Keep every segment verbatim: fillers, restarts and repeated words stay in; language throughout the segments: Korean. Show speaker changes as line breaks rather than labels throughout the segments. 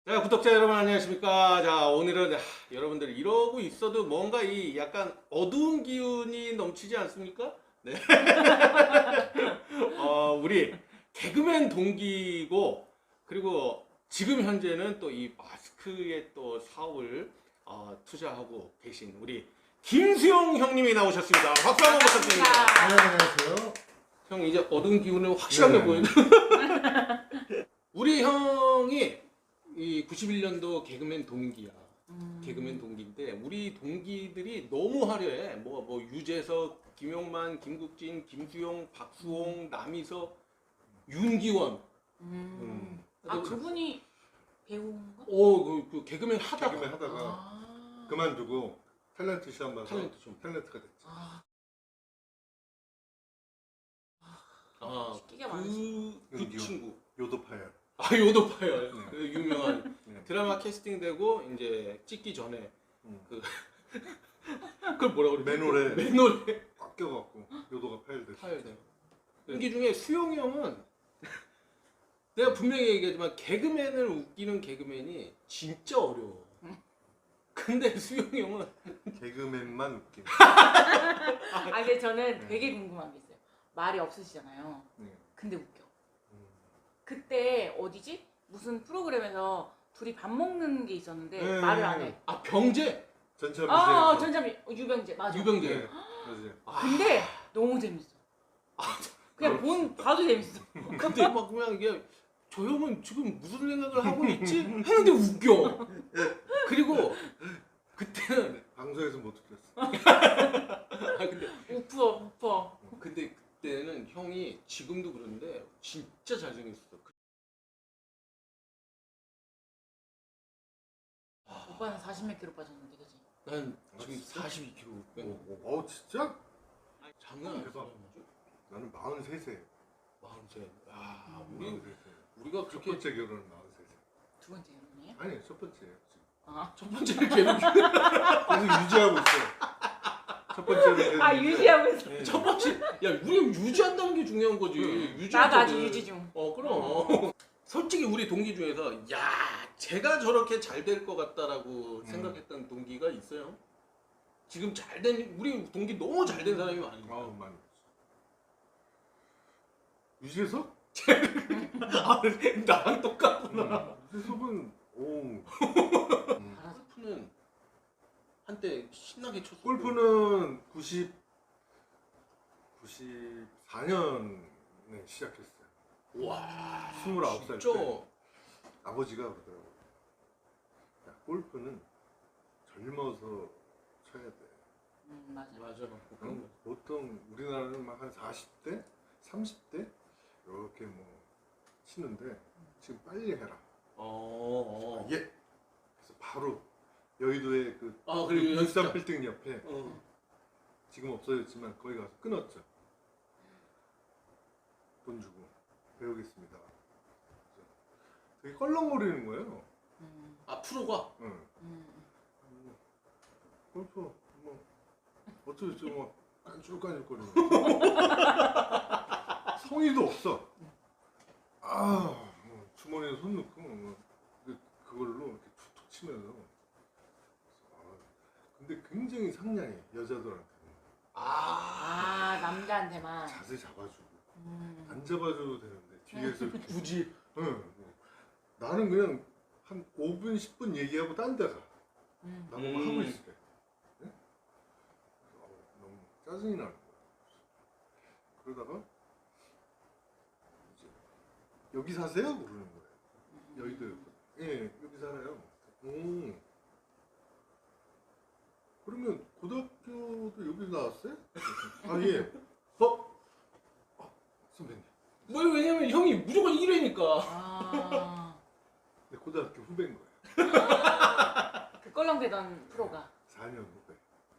자, 구독자 여러분 안녕하십니까. 자, 오늘은 하, 여러분들 이러고 있어도 뭔가 이 약간 어두운 기운이 넘치지 않습니까? 네. 어, 우리 개그맨 동기고, 그리고 지금 현재는 또 이 마스크에 또 사업을 어, 투자하고 계신 우리 김수용 형님이 나오셨습니다. 박수 한번 부탁드립니다.
네, 안녕하세요.
형 이제 어두운 기운을 확실하게
네.
보여줘. 우리 형이 이 구십일 년도 개그맨 동기야.
음.
개그맨 동기인데 우리 동기들이 너무 화려해. 뭐 뭐 유재석, 김용만, 김국진, 김수용, 박수홍, 남희석, 윤기원.
음.
음.
아 그분이 배우인가?
오, 그, 그 개그맨 하다가
개그맨 하다가
아.
그만두고 탤런트 시험 봐서
탤런트 좀.
탤런트가 됐죠.
아.
아,
끼가 많으시.
그, 그
윤기원.
친구.
요도파열.
아, 요도파요.
네.
그 유명한
네.
드라마 캐스팅되고 이제 찍기 전에
음.
그 그걸 뭐라 그러지?
맨홀에
맨홀에
꽉 껴갖고 요도가 파열됐어.
파열돼요. 연기 중에 수용이 형은 내가 분명히 얘기하지만 개그맨을 웃기는 개그맨이 진짜 어려워. 근데 수용이 형은
개그맨만 웃긴.
아 근데 저는
네.
되게 궁금한 게 있어요. 말이 없으시잖아요.
네.
근데 웃겨.
음.
그때 어디지? 무슨 프로그램에서 둘이 밥 먹는 게 있었는데
네.
말을 안 해.
아 병재
전참
아
이제
전참이 어, 유병재 맞아.
유병재.
네. 맞아요.
아,
근데 너무 재밌어. 그냥 본 봐도 재밌어.
근데 막 그냥 이게 저 형은 지금 무슨 생각을 하고 있지? 했는데 웃겨. 그리고 그때는
방송에서 못 웃겼어.
아 근데
우퍼 우퍼.
근데 그때는 형이 지금도 그런데 진짜 잘생겼어.
오빠는 사십 몇 킬로 빠졌는데 그지?
난
아,
지금
진짜?
사십이 킬로그램 빼고.
어, 어 진짜?
장난 아니야.
대박. 나는 마흔세 세.
마흔세. 아,
음.
우리
마흔세 세.
우리가
첫
그렇게
번째 결혼은 마흔세 세.
두 번째 결혼이에요?
아니 첫 번째예요. 지금.
아.
첫 번째를 계속
계속 유지하고 있어. 첫 번째는
아 유지하고 있어.
네.
첫 번째 야 우리 유지한다는 게 중요한 거지.
응.
유지.
나도 아직 유지 중.
어 그럼. 솔직히 우리 동기 중에서 야 제가 저렇게 잘 될 것 같다라고
음.
생각했던 동기가 있어요. 지금 잘 된 우리 동기 너무 잘 된 사람이 많으니까.
아우 많이. 유재석?
아, 나랑 똑같구나.
음, 유재석은 오. 음.
골프는 한때 신나게 쳤어.
골프는 구십 구십사 년에 시작했어요.
와.
스물아홉 살
진짜.
때. 아버지가 그러더라고요. 야, 골프는 젊어서 쳐야 돼.
음 맞아.
맞아. 그런
응?
거.
보통 우리나라는 막 한 사십 대, 삼십 대 이렇게 뭐 치는데 지금 빨리 해라.
어. 어.
예. 그래서 바로 여의도의 그
아 그리고
일산
연습장.
빌딩 옆에
어.
지금 없어졌지만 거기 가서 끊었죠. 돈 주고 배우겠습니다. 그래서 되게 껄렁거리는 거예요.
음,
아 프로가.
응.
음.
뭐, 골프 뭐 어쩌고저쩌고 막 깐죽깐죽거리는 성의도 없어. 아, 뭐 주머니에 손 넣고 뭐 그- 그걸로 이렇게 툭툭 치면서. 아, 근데 굉장히 상냥해 여자들한테는.
아 남자한테만.
자세 잡아주고
음.
안 잡아줘도 되는데 뒤에서 이렇게.
굳이.
응. 뭐. 나는 그냥 한 오 분 십 분 얘기하고 딴 데 가.
음.
나보고
음.
하고 있을게. 네? 어, 너무 짜증이 나는 거야. 그러다가 이제 여기 사세요? 그러는 거예요. 여의도였거든. 예, 여기 살아요. 오. 그러면 고등학교도 여기 나왔어요? 아 예. 어? 아, 선배님.
뭐 왜냐면 형이 무조건 일 회니까.
아.
내 고등학교 후배인 거예요.
그 껄렁대던 프로가.
사 년 후배.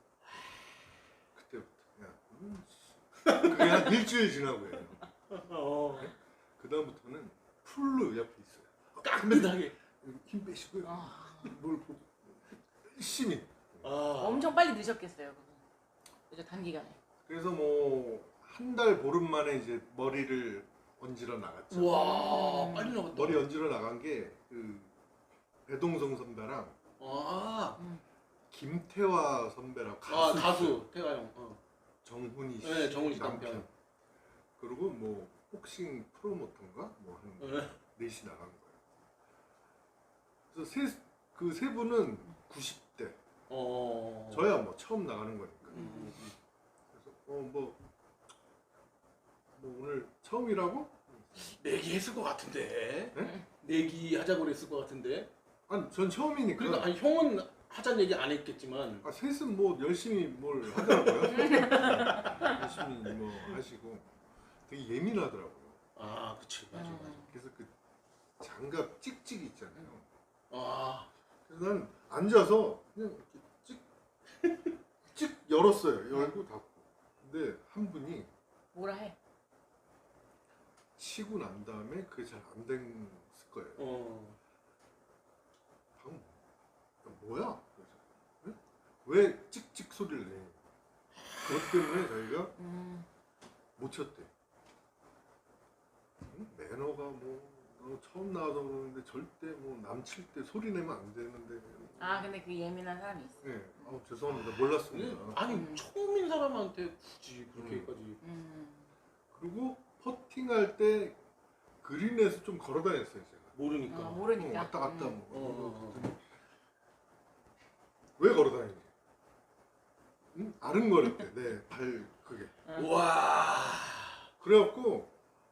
그때부터 그냥 음, 씨. 그게 한 일주일 지나고 해요.
어.
그 다음부터는 풀로 옆에 있어요.
깍듯하게.
힘 빼시고요.
아.
뭘 보고 열심히.
아.
엄청 빨리 늦었겠어요 그거. 그죠 단기간에.
그래서 뭐 한 달 보름 만에 이제 머리를 얹으러 나갔죠.
와 빨리 나갔다.
머리 얹으러 나간 게 그 배동성 선배랑
아,
음.
김태화 선배랑 가수,
아
있어요.
가수 태가 형. 어.
정훈이 씨,
네, 정훈이 씨 남편.
그리고 뭐 복싱 프로모터인가 뭐 하는
네.
넷이 나간 거예요. 그래서 세, 그 세 분은 구십 대.
어.
저야 뭐 처음 나가는 거니까.
음.
그래서 어뭐 뭐 오늘 처음이라고?
내기 했을 것 같은데.
네?
내기 하자고 그랬을 것 같은데.
아니 전 처음이니까.
그러니까 아니 형은 하자는 얘기 안 했겠지만.
아, 셋은 뭐 열심히 뭘 하더라고요. 열심히 뭐 하시고 되게 예민하더라고요.
아, 그치, 맞아, 맞아.
그래서 그 장갑 찍찍이 있잖아요.
아,
그래서 난 앉아서 그냥 이렇게 찍, 찍 열었어요. 열고 닫고. 근데 한 분이
뭐라 해?
치고 난 다음에 그게 잘 안 됐을 거예요.
어.
방금 뭐야? 그래서, 네? 왜 찍찍 소리를 내? 그것 때문에 저희가
음.
못 쳤대. 응? 매너가 뭐 너 처음 나와서 그러는데 절대 뭐 남칠 때 소리 내면 안 되는데.
아 근데 그 예민한 사람이 있어.
네, 아, 죄송합니다. 몰랐습니다.
아니
음.
처음인 사람한테 굳이 그렇게까지.
음.
그리고 퍼팅할 때 그린에서 좀 걸어다녔어요 제가.
모르니까.
어,
어,
모르니까.
왔다 갔다
음.
뭐.
어, 어, 어.
왜 걸어다니니? 응? 아른거렸대. 내 발 그게.
와.
그래갖고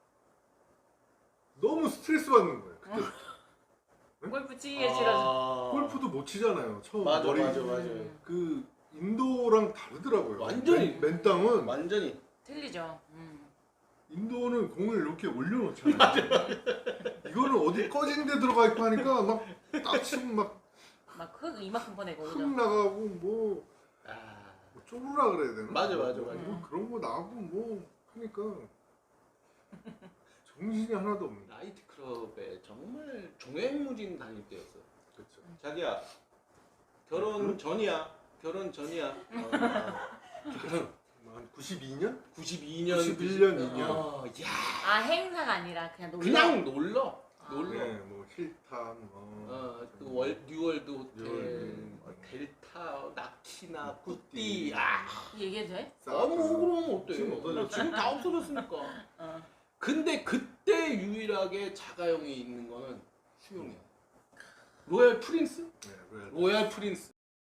너무 스트레스 받는 거예요. 그때
골프 치기가 싫어서.
골프도 못 치잖아요. 처음
맞아,
머리
맞아, 맞아.
음.
그 인도랑 다르더라고요.
완전히.
맨, 맨 땅은
완전히.
틀리죠. 음.
인도는 공을 이렇게 올려놓잖아요. 이거는 어디 꺼진 데 들어가 있고 하니까 막 딱 치면 막
막흙 이만큼 보내고
흙
그죠.
나가고 뭐,
아.
뭐 쪼르라 그래야 되나?
맞아, 맞아,
뭐,
맞아.
뭐 그런 거 나고 뭐 하니까 정신이 하나도 없는.
나이트 클럽에 정말 종횡무진 다닐 때였어.
그렇죠.
자기야 결혼
응?
전이야. 결혼 전이야. 어, 결혼
한 구십이 년?
구십이 년,
구십일 년, 이 년.
어, 야,
아 행사가 아니라 그냥 놀러.
그냥 놀러.
아.
놀러.
네, 뭐 힐탄, 뭐
어, 그 월, 뉴월드 호텔,
뉴월드.
뭐 델타, 나키나,
뭐
꾸띠.
꾸띠.
아,
얘기해도 돼?
아, 뭐 그럼 어때?
지금 없어졌죠.
지금 다 없어졌으니까.
어.
근데 그때 유일하게 자가용이 있는 거는 수용이야. 로얄 프린스?
네, 로얄.
로얄 프린스.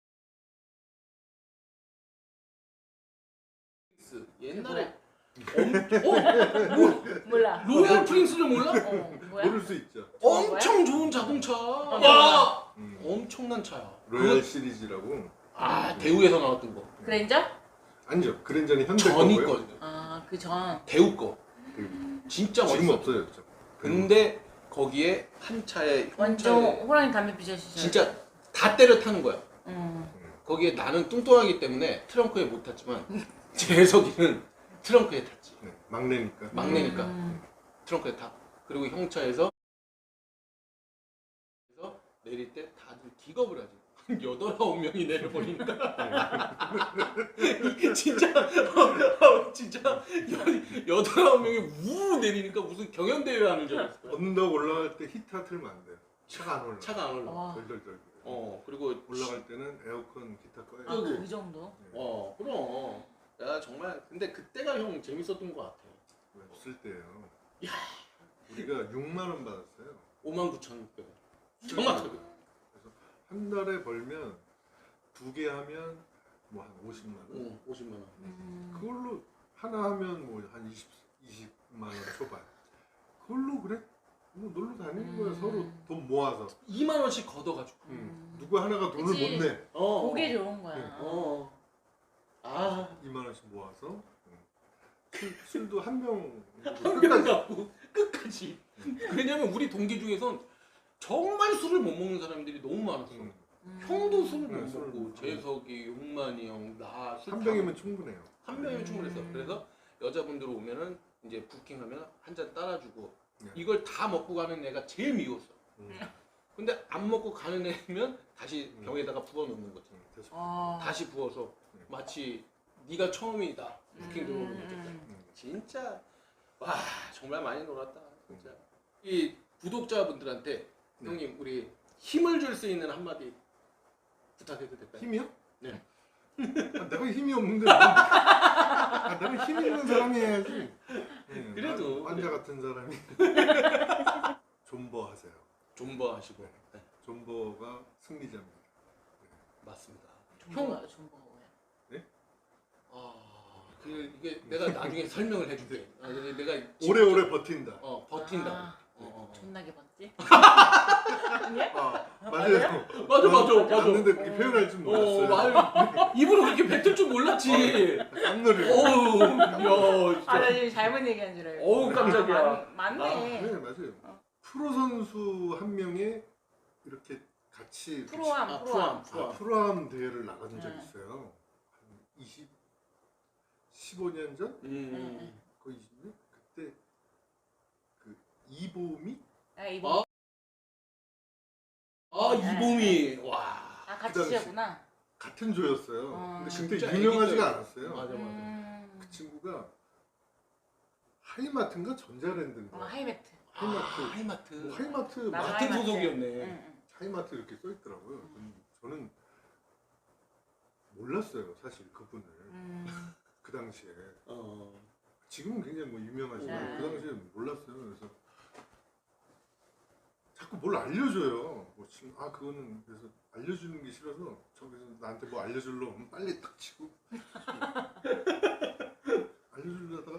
옛날에 엄, 어? 뭐,
몰라.
로얄 프린스를 몰라?
어 뭐야?
모를 수 있죠.
엄청 좋은 자동차. 와,
음.
엄청난 차야.
로얄
그거-
시리즈라고.
아, 대우에서 나왔던 거.
그랜저?
아니죠. 그랜저는 현대
전이
거고요.
거.
아그 전.
대우 거.
그
진짜
지금
멋있어.
없어졌죠.
근데 거기에 한 차에
완전
형 차에
호랑이 담배 피자시죠.
진짜 다 때려 타는 거야.
음.
거기에 나는 뚱뚱하기 때문에 트렁크에 못 탔지만 재석이는 트렁크에 탔지.
네, 막내니까.
막내니까
음.
트렁크에 타. 그리고 형차에서 그래서 내릴 때 다들 기겁을 하지. 한 여덟 아홉 명이 내려버리니까 이게 진짜 어, 진짜 여- 여덟 아홉 명이 우 내리니까 무슨 경연대회 하는 줄 알았어.
언덕 올라갈 때 히터 틀면 안 돼요. 차가 안 올라.
차가 안 올라.
와.
덜덜덜.
어 그리고
올라갈 때는 에어컨 기타 꺼야
아,
돼.
그 정도?
어 그럼 야 정말 근데 그때가 형 재밌었던 것 같아.
왜 없을 때예요.
야.
우리가 육만 원 받았어요.
오만 구천 육백 원. 정확하게.
그래서 한 달에 벌면 두 개 하면 뭐 한 오십만 원.
응, 오십만 원.
음.
그걸로 하나 하면 뭐 한 이십, 이십만 원 초반. 그걸로 그래? 뭐 놀러 다니는 거야.
음.
서로 돈 모아서.
이만 원씩 걷어가지고.
음. 누구 하나가 돈을
그치.
못 내.
어.
그게 좋은 거야.
어. 아.
이만 원씩 모아서. 음. 술, 술도 한 병.
한병 갖고 끝까지. 왜냐면 우리 동기 중에선 정말 술을 못 먹는 사람들이 너무 많았어.
음.
음.
형도 술을
네,
못
술을
먹고
못
재석이, 용만이 형, 나 술
한
다
병이면 충분해요.
한 병이면 충분했어.
음.
그래서 여자분들 오면은 이제 부킹하면 한 잔 따라주고
네.
이걸 다 먹고 가는 애가 제일 미웠어.
음.
근데 안 먹고 가는 애면 다시
음.
병에다가 부어 놓는 거지.
음, 됐어.
어.
다시 부어서
네.
마치 네가 처음이다. 부킹 들어오는 거지.
음.
음.
진짜 와 정말 많이 놀았다. 진짜 이 구독자분들한테
네.
형님 우리 힘을 줄 수 있는 한마디 부탁해도 될까요?
힘이요?
네.
아, 내가 힘이 없는데. 아, 내가 힘 있는 사람이 해야지. 네,
그래도,
환자
그래도.
같은 사람이. 존버 하세요.
존버 하시고. 네.
존버가 승리자입니다.
맞습니다.
존버가 존버가 뭐야?
아, 그 이게 내가 나중에 설명을 해줄게. 아, 근데 내가
오래오래 버틴다.
어 버틴다.
아,
어, 어, 어.
존나게 봤지? 아니야?
아, 맞아요.
맞아, 맞아, 맞아.
맞는데 그렇게
어.
표현할 줄
어,
몰랐어요.
말 입으로 그렇게 뱉을 줄 몰랐지.
깜놀을.
어우, 야,
아, 나
진짜.
지금 잘못 얘기한 줄 알고.
어우, 깜짝이야.
아, 맞, 맞네.
네, 맞아요.
어.
프로 선수 한 명이 이렇게 같이 이렇게
프로암,
아,
프로암.
프로암.
아, 프로암 대회를 나간 적
네.
있어요. 한 이십, 십오 년 전?
음.
거의 이십 년? 그때 그 이보미?
아, 이거.
아, 이봄이 와.
아, 같이
그 당시-
치셨구나.
같은 조였어요.
어.
근데 그때
진짜
유명하지가
애기 때.
않았어요.
맞아, 맞아.
음.
그 친구가 하이마트인가 전자랜드인가?
어, 하이매트.
하이마트.
아, 하이마트.
뭐 하이마트
나도
마-
같은
하이마트.
소속이었네.
응, 응.
하이마트 이렇게 써 있더라고요. 저는, 저는 몰랐어요, 사실 그분을.
음.
그 당시에.
어.
지금은 굉장히 뭐 유명하지만
네.
그 당시에 몰랐어요. 그래서 자꾸 뭘 알려줘요. 뭐 지금 아 그거는 그래서 알려주는 게 싫어서 저기서 나한테 뭐 알려줄러 하면 빨리 딱 치고 알려주려다가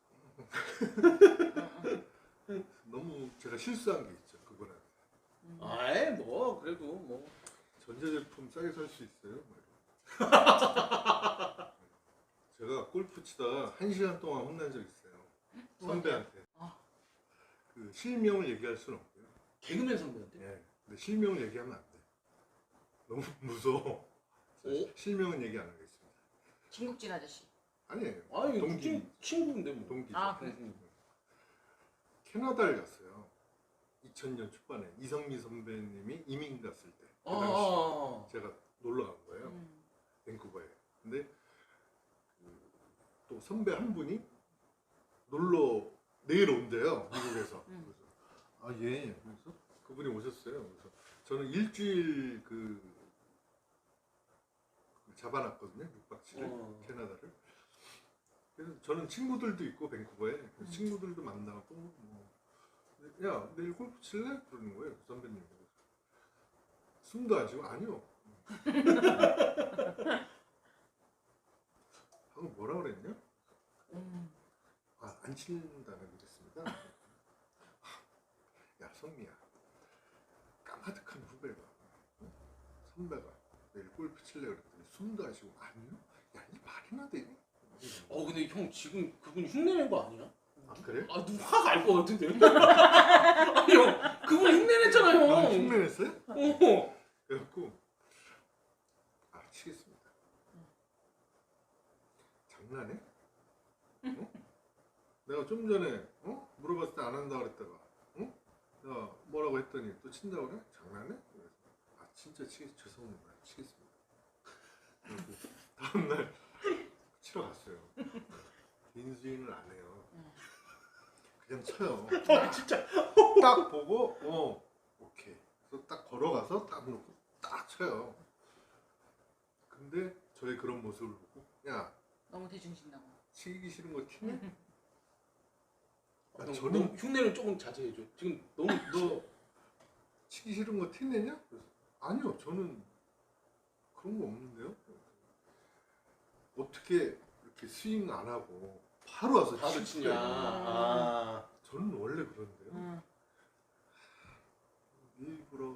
너무 제가 실수한 게 있죠. 그거는
음.
아이 뭐 그래도 뭐
전자제품 싸게 살 수 있어요. 뭐 이런. 제가 골프 치다가 한 시간 동안 혼난 적 있어요. 선배한테.
어.
그 실명을 얘기할 수는 없고요.
개그맨 선배한테.
예. 근데 실명을 얘기하면 안 돼. 너무 무서워. 그래서
오?
실명은 얘기 안 하겠습니다.
김국진 아저씨.
아니에요.
아니
동기.
친 친구인데 뭐.
동기죠.
아, 그래?
응,
캐나다를 갔어요. 이천 년 초반에 이성미 선배님이 이민 갔을 때. 그
응.
당시
아,
제가 놀러 간 거예요.
음.
밴쿠버에. 근데 그, 또 선배 한 분이 놀러 내일 온대요. 미국에서.
음.
그래서 아 예. 그래서 그분이 오셨어요. 그래서 저는 일주일 그, 그 잡아놨거든요. 육 박 칠 일
어.
캐나다를. 그래서 저는 친구들도 있고 밴쿠버에 그래서
음.
친구들도 만나고 뭐 야 내일 골프 칠래? 그러는 거예요. 그 선배님. 숨도 안 쉬고 아니요. 방금 뭐라 그랬냐?
음.
아, 안 친다는 그랬습니다. 야, 성미야. 까마득한 후배가, 어? 선배가 내일 골프 칠래 그랬더니 숨도 안 쉬고, 아니요? 야, 이 말이나 돼?
어 근데 형 지금 그분 흉내낸 거 아니야?
아, 그래?
아 누가 확 알 것 같은데. 아니 형 그분 흉내냈잖아요.
아, 흉내냈어요?
어.
그래갖고, 아, 치겠습니다. 장난해? 어? 내가 좀 전에, 어? 물어봤을 때 안 한다 그랬다가, 어? 내가 뭐라고 했더니 또 친다고 그래? 장난해? 그래서, 아, 진짜 치겠, 죄송합니다. 치겠습니다. 그리고 다음날 치러 갔어요. 빈 스윙을 안 해요. 그냥 쳐요.
아 진짜.
딱 보고, 어, 오케이. 그래서 딱 걸어가서 딱 놓고 딱 쳐요. 근데 저의 그런 모습을 보고, 야,
너무 대중신다고.
치기 싫은 거 티네? 아,
형,
저는
너무 흉내를 조금 자제해줘. 지금 너무
너 치기 싫은 거 티내냐? 그래서 아니요, 저는 그런 거 없는데요. 어떻게 이렇게 스윙 안 하고 바로 와서
바로
칠
치냐.
때
아.
저는 원래 그런데요.
음.
일부러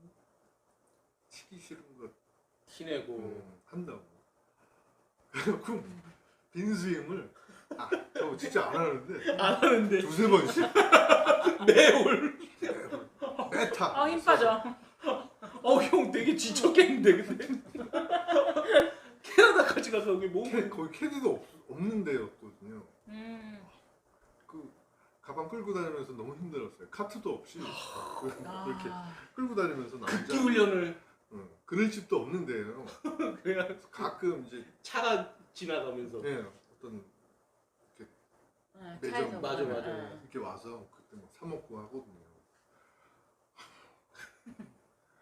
치기 싫은 거
티내고.
음, 한다고. 그래갖고 빈 스윙을 아, 저 진짜 안 하는데
안 하는데
두세 번씩
매올.
메타.
아, 힘 빠져.
어형 되게 지쳤겠는데 근데. 캐나다까지 가서 여기 몸.
캐, 거의 캐디도 없, 없는 데였거든요.
음.
그 가방 끌고 다니면서 너무 힘들었어요. 카트도 없이 그,
아.
이렇게 끌고 다니면서 남자
극기 훈련을
응, 그늘집도 없는 데예요.
그냥
그래서 가끔 이제
차가 지나가면서.
예, 어떤
네,
매점.
차에서
맞아,
보면,
맞아.
네.
이렇게 와서 그때 막 사 먹고 하거든요.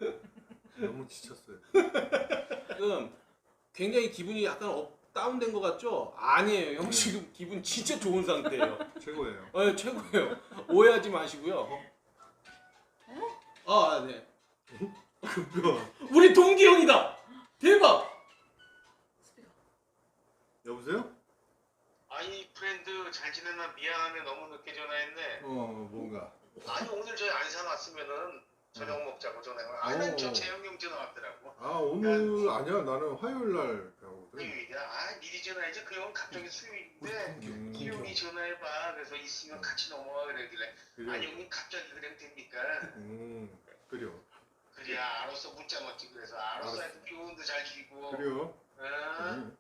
너무 지쳤어요.
지금 굉장히 기분이 약간 업, 다운된 것 같죠? 아니에요. 형
네.
지금 기분 진짜 좋은 상태예요.
최고예요.
어, 최고예요. 오해하지 마시고요. 아, 네.
급여.
우리 동기 형이다. 대박.
스피커.
여보세요?
아이 프렌드 잘 지내나 미안하네 너무 늦게 전화했네.
어 뭔가.
아니 오늘 저희 안산 왔으면은 저녁 먹자고 전화해. 아난 저
어.
재영 형 전화 왔더라고.
아 오늘 아니야 나는 화요일 날 가거든.
수요일이야. 아 미리 전화해줘. 그 형 갑자기 수요일인데
음,
기용이 전화해봐. 그래서 있으면 같이 넘어와 그러길래.
그래.
아니 형님 갑자기 그냥 됩니까?
음 그래요.
그래 알았어 문자 넣지 그래서 알았어.
알았어.
하여튼 기운도 잘 쉬고.
그래요.
어?
음.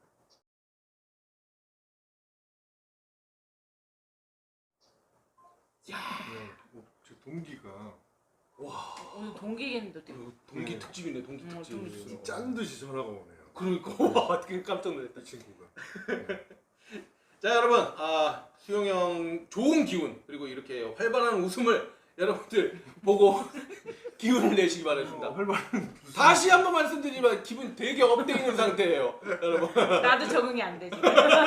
야,
네, 어, 제 동기가
와.
오늘 동기겠는데 어떻게?
어, 동기
네.
특집이네, 동기
음,
특집.
동기
짠 듯이 전화가 오네요.
그러니까 와, 되게 깜짝 놀랐다.
이 친구가.
자, 여러분, 아, 수용 형 좋은 기운 그리고 이렇게 활발한 웃음을 여러분들 보고 기운을 내시기 바랍니다.
어, 활발한 무슨-
다시 한번 말씀드리지만 기분 되게 업돼 있는 상태예요, 여러분.
나도 적응이 안 되지.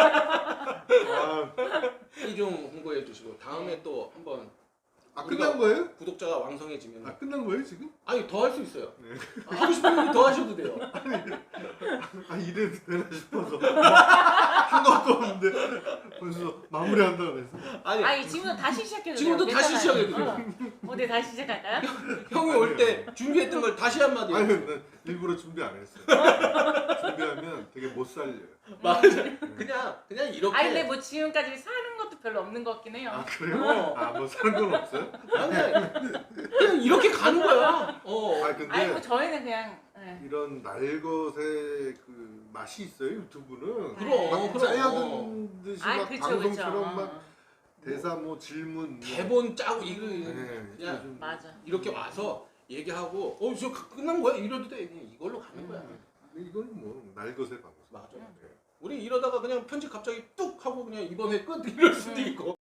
아,
이 좀 홍보해 주시고 다음에 또 한번
아
우리가-
끝난 거예요?
구독자가 왕성해지면
아 끝난 거예요 지금?
아니 더 할 수 있어요.
네.
하고 싶으면 더 하셔도 돼요.
아 이래도 되나 싶어서 한 것도 없는데 벌써 마무리한다 그래서.
아니,
아니 지금도 다시 시작해도
지금도
돼요.
다시
괜찮아요.
시작해도 돼요.
어, 네 다시 시작할까요?
형이 올 때 준비했던 걸 다시 한마디.
아니 난 일부러 준비 안 했어요. 준비하면 되게 못 살려요.
맞아. 그냥 그냥 이렇게.
아니 근데 뭐 지금까지 사는 것도 별로 없는 것 같긴 해요.
아 그래요?
어.
아 뭐 사는 건 없어요?
그냥, 그냥 이렇게 가는 거야. 어.
아 근데
아니 뭐 저희는 그냥 네.
이런 날것의 그 맛이 있어요 유튜브는.
그럼,
막
그럼.
짜여든 듯이
아
막
그쵸
방송처럼
그쵸.
막 대사 뭐 질문 뭐.
대본 짜고 이거
네,
그냥
요즘-
맞아.
이렇게 와서 얘기하고 어, 저 끝난 거야? 이러도 돼. 그냥 이걸로 가는 거야.
음.
근데 이거는 뭐 날것의 방송.
맞아.
네.
우리 이러다가 그냥 편집 갑자기 뚝 하고 그냥 이번 회 끝 이럴 수도
음.
있고.